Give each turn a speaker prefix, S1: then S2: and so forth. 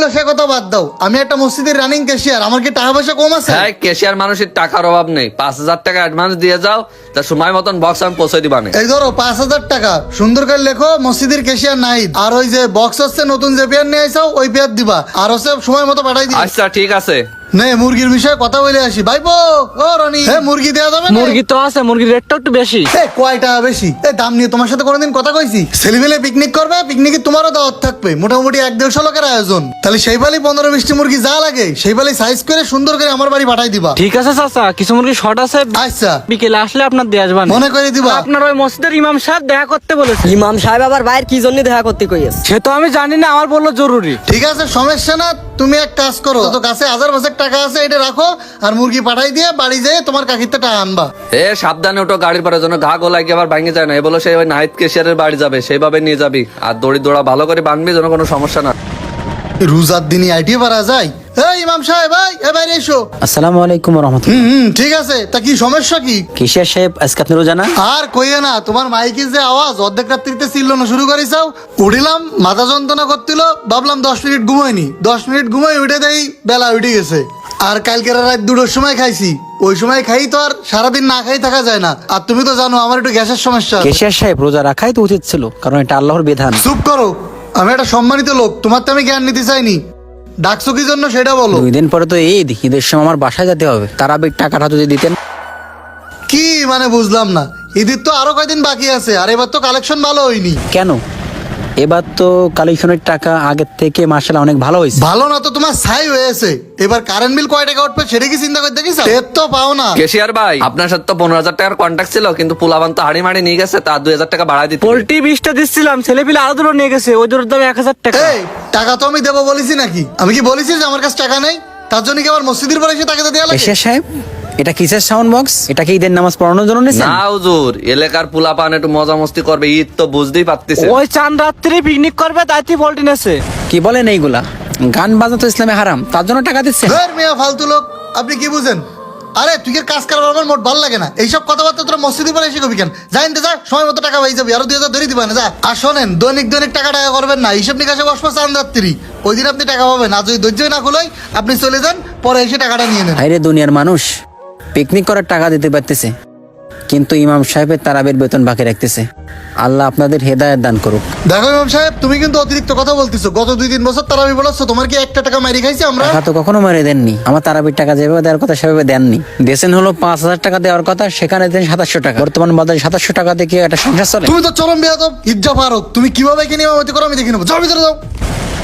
S1: সে কথা বাদ দাও, আমি একটা মসজিদের রানিং ক্যাশিয়ার, আমার কি টাকা পয়সা কম আছে?
S2: হ্যাঁ, ক্যাশিয়ার মানুষের টাকার অভাব নেই। 5,000 টাকা অ্যাডভান্স দিয়ে যাও, তা সময় মতন বক্স আমি পৌঁছে দিবানে।
S1: এই ধরো 5,000 টাকা, সুন্দর করে লেখো মসজিদের ক্যাশিয়ার নাহিদ, আর ওই যে বক্স হচ্ছে নতুন যে পেয়ার নিয়ে আইসাও ওই পেয়ার দিবা, আর হচ্ছে সময় মতো পাঠাই দিবা।
S2: আচ্ছা ঠিক আছে।
S1: নে মুরগির বিষয়ে কথা বলে আসি। ভাইপো ও রনি, মুরগি দেওয়া যাবে না?
S3: মুরগি তো আছে, মুরগির রেটটা একটু বেশি।
S1: কয়টা বেশি? দাম নিয়ে তোমার সাথে কোনোদিন কথা কইছি? ছেলেমেলে পিকনিক করবে, পিকনিকে তোমারও দাওয়াত থাকবে, মোটামুটি 1-150 লোকের আয়োজন। তাহলে সেই বালি 15-20টি মুরগি যা লাগে সেই বালি সাইজ করে সুন্দর করে আমার বাড়ি পাঠাই দিবা।
S3: ঠিক আছে চাচা, কিছু মুরগি শর্ট আছে,
S1: আচ্ছা
S3: বিকেলে আসলে আপনার দিয়ে আসবেন।
S1: মনে করে দিবা।
S3: আপনার ওই মসজিদের ইমাম সাহেব দেখা করতে বলেছে।
S4: ইমাম সাহেব আবার বাইরে কি জন্য দেখা করতে কইছে?
S3: সে তো আমি জানি না, আমার বললো জরুরি।
S1: ঠিক আছে, সমস্যা না। তুমি এক কাজ করো, তো কাছে 1000 টাকা আছে, এটা রাখো আর মুরগি পাঠাই দিয়ে বাড়ি যেয়ে তোমার কাকিতে টাকা আনবা।
S2: সাবধানে ওটো, গাড়ির পরে যেন ঘা গোলাই আবার ভাঙে যায় না। এ বলো সেই ওই নাহিদ ক্যাশিয়ারের বাড়ি যাবে, সেইভাবে নিয়ে যাবি, আর দড়ি দোড়া ভালো করে বাঁধবি যেন কোনো সমস্যা না।
S1: রোজার দিনই আইটি পারা যায়। ইমাম সাহেব ভাই এবারে এসো।
S5: আসসালামু আলাইকুম রহমতুল্লাহ।
S1: ঠিক আছে, তা কি সমস্যা কি?
S5: কিশোর সাহেব আজকে আপনি রোজা না?
S1: আর কইয়ে না, তোমার মাইকে যে আওয়াজ অর্ধেক রাত্রিতে চিল্লানো শুরু করেছাও। উঠিলাম, মাথা যন্ত্রণা করছিল, ভাবলাম 10 মিনিট ঘুমাইনি। 10 মিনিট ঘুমাই উঠে দেই বেলা উঠে গেছে। আর কালকের রাত 2টোর সময় খাইছি, ওই সময় খাই তো আর সারাদিন না খাই থাকা যায় না। আর তুমি তো জানো আমার একটু গ্যাসের সমস্যা আছে।
S5: কিশোর সাহেব রোজা রাখাই তো উচিত ছিল, কারণ এটা আল্লাহর বিধান।
S1: চুপ করো, আমি একটা সম্মানিত লোক, তোমার তো আমি জ্ঞান নিতে চাইনি। ডাকছো কি জন্য সেটা বলো।
S5: 2 দিন পরে তো ঈদ, ঈদের সময় আমার বাসায় যেতে হবে। তারাবির টাকাটা যদি দিতেন।
S1: কি মানে বুঝলাম না? ঈদের তো আরো কয়দিন বাকি আছে, আর এবার তো কালেকশন ভালো হয়নি।
S5: কেন? এবার তো কালেকশনের টাকা আগের থেকে মার্শাল্লাহ অনেক ভালো হয়েছে।
S1: ভালো না তো তোমার ছাই হয়েছে। এবার কারেন্ট বিল কয় টাকা উঠবে সেটা কি চিন্তা করতে গেছো? টের তো পাও না।
S2: ক্যাশিয়ার ভাই, আপনার সাথে তো 15,000 টাকার কন্ট্যাক্ট ছিল, কিন্তু পোলাবান তো হাড়ি মাড়ি নিয়ে গেছে, তার 2,000 টাকা বাড়ায় দিতে।
S3: পোল্ট্রি 20টা দিচ্ছিলাম, ছেলে পিলে আরো দুটো নিয়ে গেছে, ওই দুটোর দাম 1,000 টাকা।
S1: এই টাকা তো আমি দেবো বলেছি নাকি? আমি কি বলেছি যে আমার কাছে টাকা নেই? তার জন্য কি আবার মসজিদের পরে এসে টাকা দেওয়া লাগে?
S5: কিশোর সাহেব, এটা কিসের সাউন্ড বক্স? এটা কি ঈদের নামাজ পড়ানোর জন্য নিছেন?
S2: না হুজুর, এলাকার পোলাপান একটু মজা মস্তি করবে, ঈদ তো বুঝতেই পারতেছে।
S3: ওই চাঁদ রাত্রি পিকনিক করবে, তাইতে পোল্ট্রি নেছে।
S5: কি বলেন এইগুলা? গান বাজনা তো ইসলামে হারাম, তার জন্য টাকা দিচ্ছেন?
S1: ধর মিয়া ফালতু লোক, আপনি কি বুঝেন? আরে তুই এর কাজ করার আমার মোট ভালো লাগে না। এইসব কথাবার্তা তোরা মসজিদের পরে এসে কবি কেন? জানতে যা, সময় মতো টাকা পাই যাবি, আরো 2,000 ধরে দিবা না যা। আর শোনেন, দৈনিক দৈনিক টাকা করবেন না, হিসাব নিকাশে বসবো চাঁদ রাত্রি, ওই দিন আপনি টাকা পাবেন। আর যদি ধৈর্য না খুলোই আপনি চলে যান, পরে এসে টাকাটা নিয়ে নেন।
S5: হাইরে দুনিয়ার মানুষ পিকনিক করার টাকা দিতে পারতেছে, কিন্তু ইমাম সাহেবের তারাবির বেতন বাকি রাখতেছে। আল্লাহ আপনাদের হেদায়েত দান করুক।
S1: দেখো ইমাম সাহেব, তুমি কিন্তু অতিরিক্ত কথা বলতেছো। গত 2-3 বছর তারাবি বলাচ্ছ, তোমার কি একটা টাকা মারি খাইছি আমরা?
S5: টাকা তো কখনো মারে দেননি। আমার তারাবির টাকা যেভাবে দেওয়ার কথা সেভাবে দেননি। দেশেন হলো 5,000 টাকা দেওয়ার কথা, সেখানে দেন 2700 টাকা। বর্তমান বাজারে 2700 টাকা দিয়ে কি একটা সংসার চলে?
S1: তুমি তো চরম বেয়াদব, ইজ্জত পারো। তুমি কিভাবে কিনে ইমামতি করো আমি দেখে নেবো। যাও ভিতরে যাও।